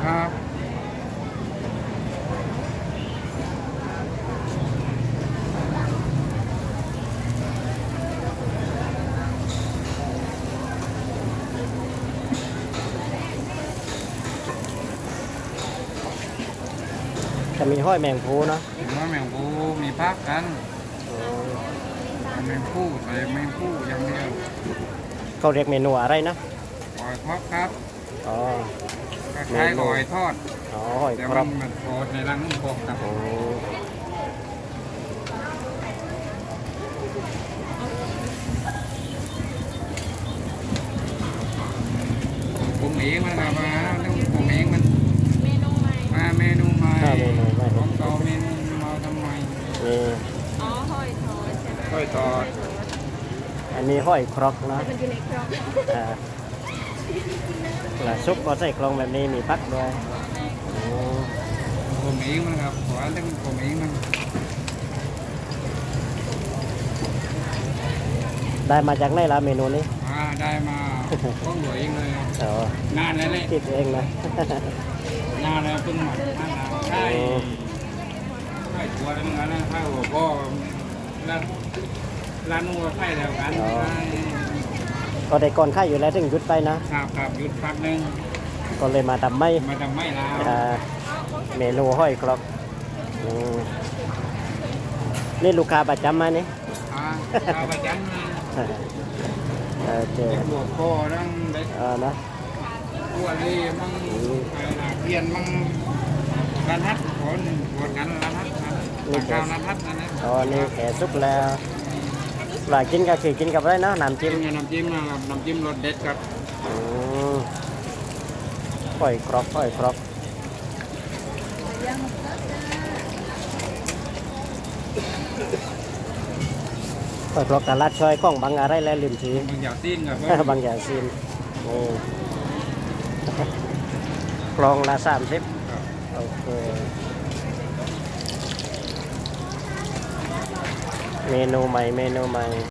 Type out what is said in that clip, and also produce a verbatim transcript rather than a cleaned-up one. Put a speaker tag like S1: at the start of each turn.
S1: ครับ
S2: จะมีห้อยแมงภูเนาะ
S1: เห็นว่าแมงปูมีพักกัน
S2: อืม
S1: แมงผู้ใส่แมงผู้อย่างเดียว
S2: เขาเรียกเมนูอะไรนะ
S1: หอยทอดครับ
S2: อ๋อ
S1: คล้ายๆหอยทอด
S2: อ๋อหอย
S1: แต่
S2: คร
S1: มั
S2: บ
S1: นมันโคตรในรังนุ่มโคกครับ
S2: โอ้
S1: ปรุงเองมันครับมาเรื่องปรุงเองมัน
S3: เมนูใหม่
S1: มาเมนูใหม่
S2: ถ้าเมนูไม่
S1: ของเก่าเมนูมาทำไม
S2: นี่
S3: อ๋อหอยทอดใช่ไหม
S1: ค่อยทอด
S2: อันนี้ห้อยครกนะ
S3: มันอยู่ในกล่อง
S2: อ่าแล้วซุปก็ใส่กลองแบบนี้มีพักด้วยโอ้
S1: ปรุงเองมันครับขอเรื่องปรุงเองมัน
S2: ได้มาจากไหนล่ะเมนูนี้
S1: มาได้มาก็หลวยเองเลย
S2: อ๋อน
S1: านแล้วเลย
S2: คิดเองนะ
S1: นานแล้วเพิ่งหมักนานแล้วใช่ใช่ตัวแล้วมึงนะถ้าหัวพ่อร้านร้านนู้นใช่แล้วกัน
S2: ก็ได้ก่อนค่ายอยู่แล้วถึงหยุดไปนะครับ
S1: ครับหยุดพักนึง
S2: ก็เลยมาทำไม่
S1: มาทำไม่ลาว
S2: อ่าเมนูห้อยครกอืมนี่ลูกค้าประจำมานี่
S1: อ่าเอาไปจันมา
S2: โอเค
S1: เด็กหลวงพ่อนั่งเด็ก
S2: เออนะ
S1: ตัวรีมั่งอะไรนะเพียนมั่งร้านฮัทคนปวดกันร้านฮัทนะร้านข้าวร้านฮัทนั่นนะ
S2: ตอนนี้แขกซุปแล้วหลายกินก็คือกินกับอะไรเนาะน้ำ
S1: จิ้
S2: จิ้
S1: ม
S2: ม
S1: กับน้ำจิ้มนะครับน้ำจิ้มรสเด็ดครับ
S2: อืมห้อยครกห้อยครกห้อยครกตลาดช่อยของบางอะไรแล้วลืมที
S1: บางอย่างซีนกับบ
S2: างอย่างซีนนี่กลองละสามสิบโอเคเมนูใหม่เมนูใหม่